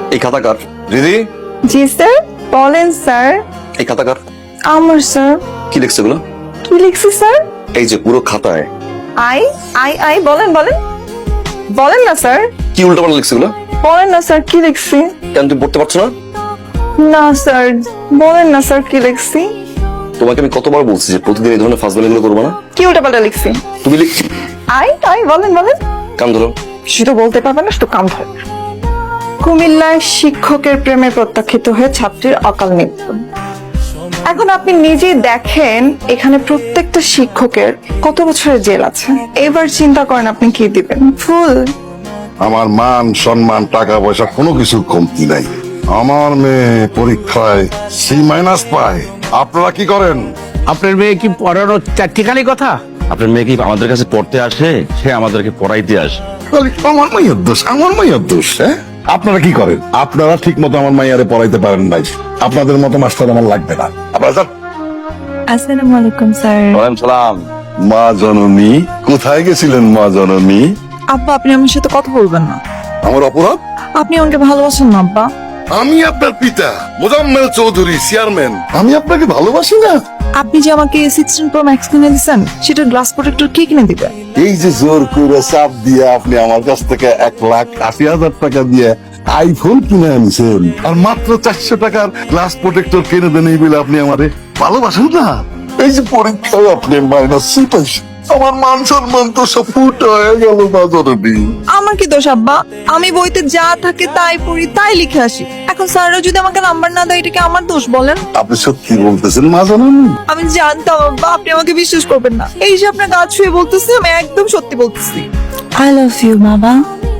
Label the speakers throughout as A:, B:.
A: এই খাতা কার? দিদি
B: জি স্যার, বলেন স্যার।
A: এই খাতা কার?
B: আমার স্যার।
A: কি লিখছে এগুলো?
B: কি লিখছি স্যার?
A: এই যে পুরো খাতায়
B: আই আই আই বলেন বলেন বলেন না স্যার,
A: কি উল্টাপাল্টা লিখছে এগুলো?
B: বলেন না স্যার কি লিখছি।
A: কেন তুমি পড়তে পারছো না?
B: না স্যার, বলেন না স্যার কি লিখছি।
A: তোমাকে আমি কতবার বলছি যে প্রতিদিন এই ধরনের ফাজলামি গুলো করবো না।
B: কি উল্টাপাল্টা লিখছি?
A: তুমি
B: আই আই বলেন বলেন।
A: কান ধরো।
B: কিছু তো বলতে পারবে না, শুধু কাম ধরে। কুমিল্লায় শিক্ষকের প্রেমে প্রত্যাখ্যিত হয়ে ছাত্রীর অকাল মৃত্যু। এখন আপনি নিজে দেখেন এখানে প্রত্যেকটা শিক্ষকের কত বছরের জেল আছে। এবার চিন্তা করেন আপনি কি দিবেন। ফুল।
C: আমার মান সম্মান টাকা পয়সা কোনো কিছু কমতি নাই। আমার মেয়ে পরীক্ষায় C- পায়, আপনারা কি করেন?
D: আপনার মেয়ে কি পড়ানোর চারটিখানি কথা?
A: আপনার মেয়ে কি আমাদের কাছে পড়তে আসে, সে আমাদেরকে পড়াইতে আসে?
C: আমার মাইয়ের দোষ, আমার মাইয়ের দোষ। হ্যাঁ, আপনারা কি করেন? আপনারা ঠিক মতো আমার মাইয়ারে পড়াইতে পারেন নাই। আপনাদের মতো মাস্টার আমার লাগবে না। আপনারা যান।
B: আসসালামু আলাইকুম স্যার।
A: ওয়ালাইকুম সালাম।
C: মা জননী, কোথায় গেছিলেন মা জননী?
B: আব্বা, আপনি আমার সাথে কথা বলবেন না।
C: আমার অপরাধ?
B: আপনি আমাকে ভালোবাসেন না আব্বা।
C: আমি আপনার পিতা মোজাম্মেল চৌধুরী, চেয়ারম্যান। আমি আপনাকে ভালোবাসি না?
B: আপনি যে আমাকে 16 Pro Max কিনে দিয়েছেন, সেটা গ্লাস প্রোটেক্টর কে কিনে দিবে?
C: এই যে জোর করে চাপ দিয়ে আপনি আমার কাছ থেকে 1,80,000 টাকা দিয়ে আইফোন কিনে আনছেন, আর মাত্র 400 টাকার গ্লাস প্রোটেক্টর কিনে দেন, এই বলে আপনি আমারে ভালোবাসেন না? এই যে পরীক্ষায় আপনি -6 পাইছেন, আমার মান সম্মান তো সব ফুট হয়ে গেল বাজারে।
B: আমার কি দোষ আব্বা? আমি বইতে যা থাকে তাই পড়ি, তাই লিখে আসি। এখন স্যাররা যদি আমাকে নাম্বার না দেয়, এটা কি আমার দোষ বলেন?
C: আপনি সত্যি বলতেছেন মা জননী?
B: আমি জানতাম আব্বা আপনি আমাকে বিশ্বাস করবেন না। এই যে আপনার গা ছুঁয়ে বলতেছি, আমি একদম সত্যি বলতেছি। আই লাভ ইউ বাবা,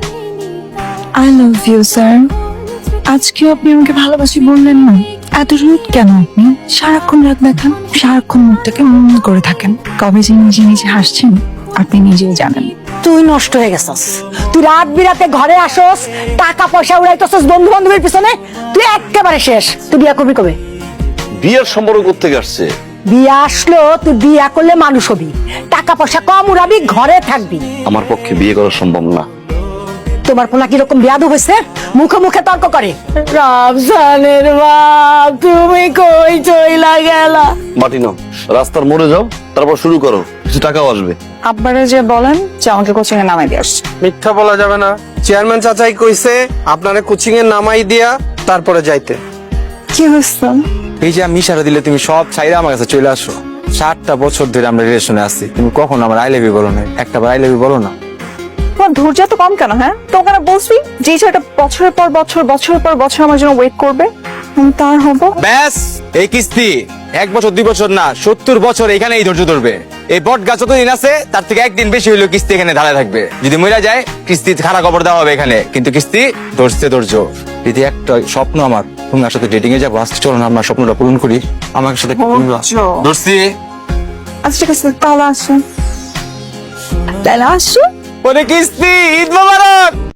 B: আই লাভ ইউ স্যার। আজকে আপনি আমাকে ভালোবাসি বললেন না, এত রুড কেন আপনি? সারাক্ষণ রাত দেখান, সারাক্ষণ মুখটাকে মন করে থাকেন। কবে যে নিজে নিজে হাসছেন আপনি নিজেই জানেন।
E: তুই নষ্ট হয়ে গেছস। তুই রাত বিরাতে ঘরে আসস, টাকা পয়সা উড়াইতেছস বন্ধু বান্ধবের পিছনে। তুই একেবারে শেষ। তুই বিয়া করবি কবে?
A: বিয়ের সম্পর্ক কোত্থেকে আসছে?
E: বিয়া আসলো, তুই বিয়া করলে মানুষ হবি, টাকা পয়সা কম উড়াবি, ঘরে থাকবি।
A: আমার পক্ষে বিয়ে করা সম্ভব না।
E: তোমার পোলা কিরকম বেয়াদব হয়েছে, মুখে মুখে তর্ক করে। রামজানের বাপ, তুমি কই চইলা গেলা?
A: মাটি নাও, রাস্তার মোড়ে যাও, তারপর শুরু করো, কিছু টাকাও আসবে।
B: আব্বারে যে বলেন যে আমাকে কোচিং এ নামাই দিয়ে আসছে।
F: মিথ্যা বলা যাবে না। চেয়ারম্যান চাচাই কইছে আপনারে কোচিং এ নামাই দিয়া তারপরে যাইতে।
B: কি হয়েছে?
F: এই যে আমি ইশারা দিলে তুমি সব ছাইরা আমার কাছে চলে আসো। 7টা বছর ধরে আমরা রিলেশনে আছি, তুমি কখনো আমার আই লাভ ইউ বলো না, একটা বার আই লাভ ইউ বলো না।
B: তোমার ধৈর্য তো কম কেন? হ্যাঁ, তো ওখানে বলছি যে ছেলেটা বছরের পর বছর বছরের পর বছর আমার জন্য ওয়েট করবে, আমি তার হব।
F: ব্যাস, এই কিস্তি 1 বছর 2 বছর না, 70 বছর এখানে এই ধৈর্য ধরবে। এই বট গাছ যতদিন আছে তার থেকে একদিন বেশি হইলেও কিস্তি এখানে ধারা থাকবে। যদি মরে যায় কিস্তি খারাপ খবর দেওয়া হবে এখানে, কিন্তু কিস্তি ধরছে ধৈর্য। যদি একটা স্বপ্ন আমার, তুমি আমার সাথে ডেটিং এ যাবো, আজকে চলো না আমার স্বপ্নটা পূরণ করি। আমার সাথে ধরছি।
B: আচ্ছা ঠিক আছে, তাহলে আসো, তাহলে আসো।
F: ওরে কিস্তি, ঈদ মোবারক।